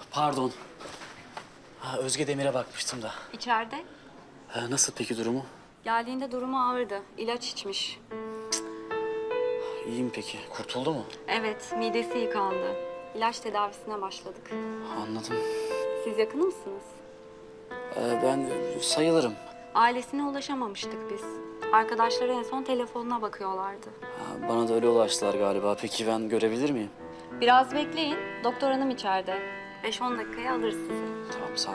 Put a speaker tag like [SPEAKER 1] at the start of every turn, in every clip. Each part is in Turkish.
[SPEAKER 1] Pardon. Özge Demir'e bakmıştım da.
[SPEAKER 2] İçeride.
[SPEAKER 1] Nasıl peki durumu?
[SPEAKER 2] Geldiğinde durumu ağırdı. İlaç içmiş.
[SPEAKER 1] İyi mi peki? Kurtuldu mu?
[SPEAKER 2] Evet, midesi yıkandı. İlaç tedavisine başladık.
[SPEAKER 1] Anladım.
[SPEAKER 2] Siz yakın mısınız?
[SPEAKER 1] Ben sayılırım.
[SPEAKER 2] Ailesine ulaşamamıştık biz. Arkadaşları en son telefonuna bakıyorlardı.
[SPEAKER 1] Bana da öyle ulaştılar galiba. Peki ben görebilir miyim?
[SPEAKER 2] Biraz bekleyin. Doktor hanım içeride. 5-10 dakikaya alır sizi.
[SPEAKER 1] Tamam, sağ ol.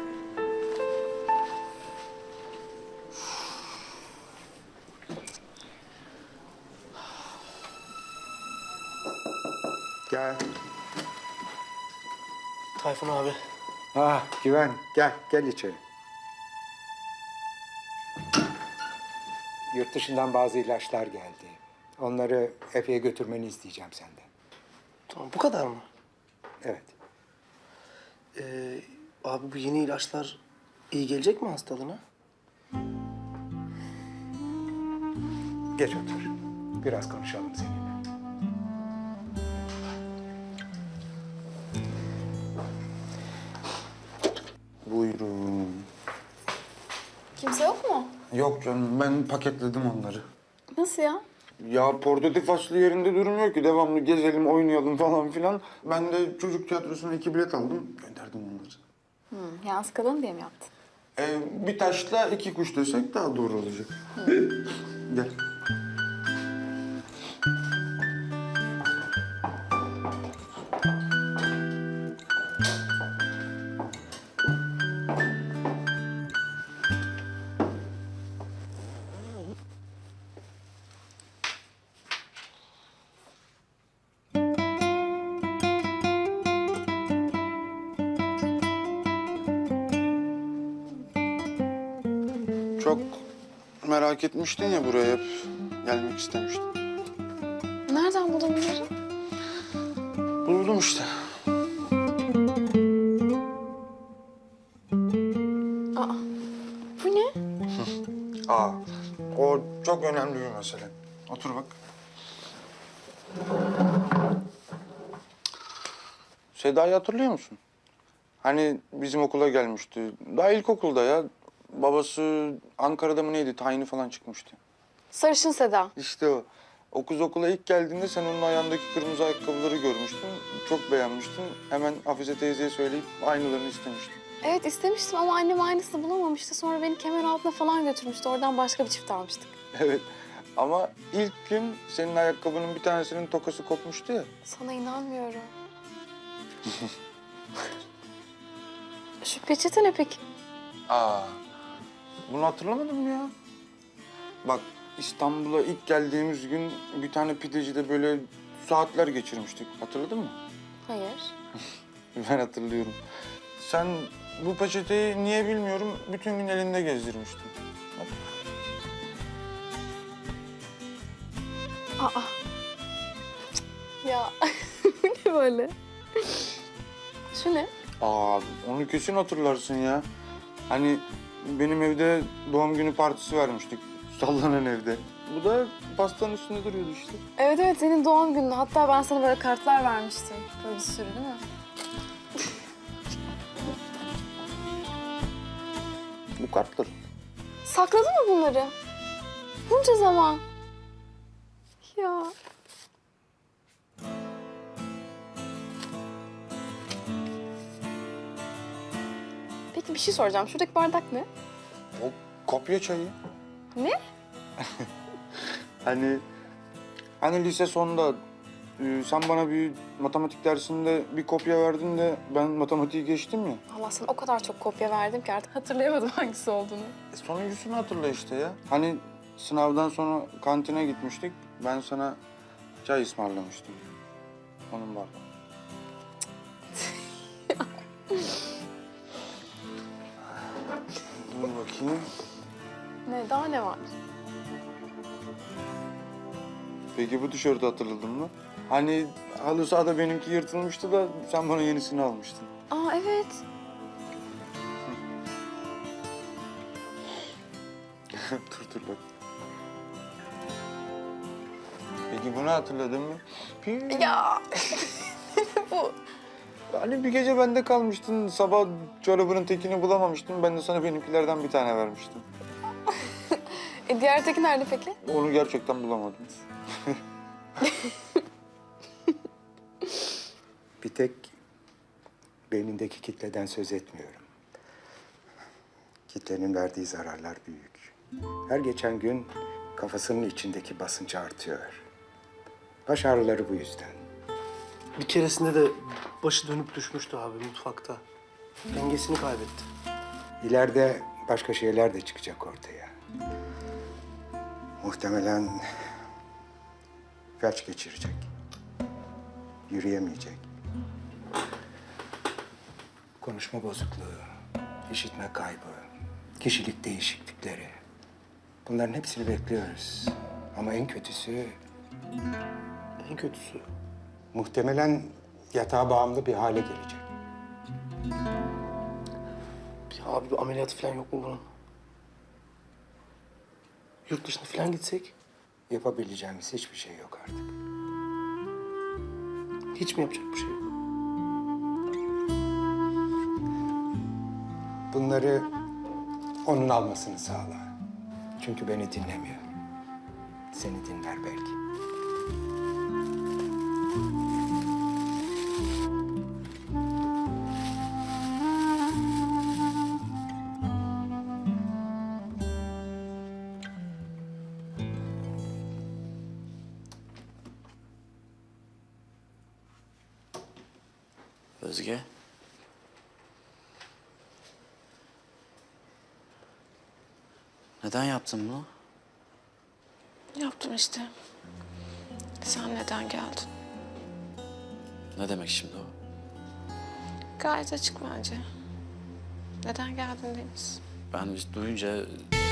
[SPEAKER 3] Gel.
[SPEAKER 1] Tayfun abi.
[SPEAKER 3] Güven, gel içeri. Yurt dışından bazı ilaçlar geldi. Onları Efe'ye götürmeni isteyeceğim senden.
[SPEAKER 4] Tamam, bu kadar mı?
[SPEAKER 3] Evet.
[SPEAKER 4] Abi bu yeni ilaçlar iyi gelecek mi hastalığına?
[SPEAKER 3] Geç otur. Biraz konuşalım seninle.
[SPEAKER 5] Buyurun.
[SPEAKER 6] Kimse yok mu?
[SPEAKER 5] Yok canım, ben paketledim onları.
[SPEAKER 6] Nasıl ya?
[SPEAKER 5] Ya portatif aslı yerinde durmuyor ki. Devamlı gezelim, oynayalım falan filan. Ben de çocuk tiyatrosuna 2 bilet aldım, gönderdim onları.
[SPEAKER 6] Yani sıkıldın diye mi yaptın?
[SPEAKER 5] Bir taşla 2 kuş desek daha doğru olacak. Gel. Çok merak etmiştin ya buraya, hep gelmek istemiştin.
[SPEAKER 6] Nereden buldun bunları?
[SPEAKER 5] Buldum işte.
[SPEAKER 6] Aa, bu ne?
[SPEAKER 5] O çok önemli bir mesele. Otur bak. Seda'yı hatırlıyor musun? Hani bizim okula gelmişti. Daha ilkokulda ya. Babası Ankara'da mı neydi? Tayini falan çıkmıştı.
[SPEAKER 6] Sarışın Seda.
[SPEAKER 5] İşte o. O kız okula ilk geldiğinde sen onun ayağındaki kırmızı ayakkabıları görmüştün. Çok beğenmiştin. Hemen Hafize teyzeye söyleyip aynılarını istemiştin.
[SPEAKER 6] Evet istemiştim ama annem aynısını bulamamıştı. Sonra beni kemer altına falan götürmüştü. Oradan başka bir çift almıştık.
[SPEAKER 5] Evet. Ama ilk gün senin ayakkabının bir tanesinin tokası kopmuştu ya.
[SPEAKER 6] Sana inanmıyorum. Şu peçete ne peki?
[SPEAKER 5] Bunu hatırlamadın mı ya? Bak İstanbul'a ilk geldiğimiz gün bir tane pidecide böyle saatler geçirmiştik. Hatırladın mı?
[SPEAKER 6] Hayır.
[SPEAKER 5] Ben hatırlıyorum. Sen bu peçeteyi niye bilmiyorum bütün gün elinde gezdirmiştin. Bak.
[SPEAKER 6] Aa. Ya bu ne böyle? Şu ne?
[SPEAKER 5] Onu kesin hatırlarsın ya. Hani benim evde doğum günü partisi vermiştik. Sallanan evde. Bu da pastanın üstünde duruyordu işte.
[SPEAKER 6] Evet evet senin doğum günün. Hatta ben sana böyle kartlar vermiştim. Böyle bir sürü değil mi?
[SPEAKER 5] Bu kartlar.
[SPEAKER 6] Sakladın mı bunları? Bunca zaman. Ya. Peki bir şey soracağım. Şuradaki bardak ne?
[SPEAKER 5] O kopya çayı.
[SPEAKER 6] Ne?
[SPEAKER 5] Hani lise sonunda sen bana bir matematik dersinde bir kopya verdin de ben matematiği geçtim ya.
[SPEAKER 6] Allah sana o kadar çok kopya verdim ki artık hatırlayamadım hangisi olduğunu.
[SPEAKER 5] Sonuncusunu hatırla işte ya. Hani sınavdan sonra kantine gitmiştik. Ben sana çay ısmarlamıştım. Onun var. Dur bakayım.
[SPEAKER 6] Ne? Daha ne var?
[SPEAKER 5] Peki bu tişörtü hatırladın mı? Hani halı sahada benimki yırtılmıştı da sen bana yenisini almıştın.
[SPEAKER 6] Aa evet.
[SPEAKER 5] Dur bak. Peki bunu hatırladın mı?
[SPEAKER 6] Ya bu.
[SPEAKER 5] Hani bir gece bende kalmıştın, sabah çorabının tekini bulamamıştın. Ben de sana benimkilerden bir tane vermiştim.
[SPEAKER 6] Diğer teki nerede peki?
[SPEAKER 5] Onu gerçekten bulamadım.
[SPEAKER 3] Bir tek beynindeki kitleden söz etmiyorum. Kitlenin verdiği zararlar büyük. Her geçen gün kafasının içindeki basıncı artıyor. Baş ağrıları bu yüzden.
[SPEAKER 4] Bir keresinde de başı dönüp düşmüştü abi mutfakta. Dengesini kaybetti.
[SPEAKER 3] İleride başka şeyler de çıkacak ortaya. Muhtemelen felç geçirecek. Yürüyemeyecek. Konuşma bozukluğu, işitme kaybı, kişilik değişiklikleri. Bunların hepsini bekliyoruz. Ama en kötüsü
[SPEAKER 4] En kötüsü.
[SPEAKER 3] muhtemelen yatağa bağımlı bir hale gelecek.
[SPEAKER 4] Ya abi bir ameliyatı falan yok mu bunun? Yurt dışına falan gitsek
[SPEAKER 3] Yapabileceğimiz hiçbir şey yok artık.
[SPEAKER 4] hiç mi yapacak bir şey yok?
[SPEAKER 3] Bunları onun almasını sağla. Çünkü beni dinlemiyor. Seni dinler belki.
[SPEAKER 1] Özge. Neden yaptın bunu?
[SPEAKER 6] Yaptım işte. Sen neden geldin?
[SPEAKER 1] Ne demek şimdi o?
[SPEAKER 6] Gayet açık bence. Neden geldin Deniz?
[SPEAKER 1] Ben duyunca